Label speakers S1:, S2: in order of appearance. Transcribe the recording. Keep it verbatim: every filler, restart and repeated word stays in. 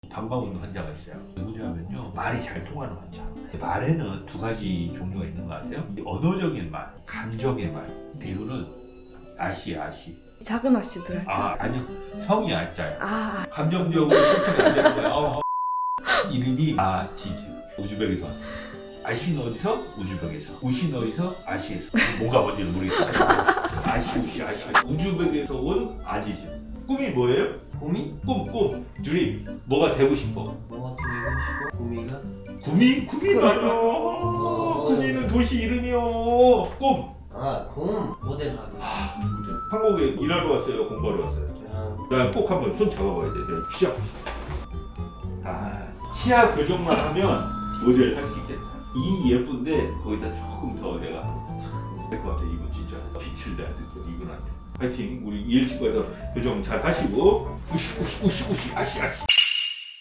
S1: 방광 환자가 있어요. 누구냐면요, 말이 잘 통하는 환자. 말에는 두 가지 종류가 있는 것 같아요. 언어적인 말, 감정의 말. 이거는 아시 아시.
S2: 작은 아씨들.
S1: 아 아니요, 성이 아자요.
S2: 아,
S1: 감정적으로 소통이 안 되는 거예요. 어, 어. 이름이 아지즈. 우즈벡에서 왔어요. 아시는 어디서? 우즈벡에서. 우시는 어디서? 아시에서. 뭐가 뭔지는 모르겠다. 아시 우시 아시. 우즈벡에서 온 아지즈. 꿈이 뭐예요?
S3: 구미?
S1: 꿈, 꿈, 드림. 뭐가 되고 싶어?
S3: 뭐가 되고 싶어? 구미가?
S1: 구미? 구미가 아니요. 구미는 도시 이름이요. 꿈.
S3: 아, 곰 모델 하기.
S1: 한국에 일하러 왔어요? 공부하러 왔어요?
S3: 그냥
S1: 나 꼭 한번 손 잡아봐야 돼. 내가 시작. 아, 치아 교정만 하면 모델 할 수 있겠다. 이 예쁜데 거기다 조금 더 내가 될 것 같아. 이거 진짜 빛을 내야 돼. 이분한테. 파이팅. 우리 이엘치과에서 교정 잘 하시고 우시 우시 우시 우시 아시 아시.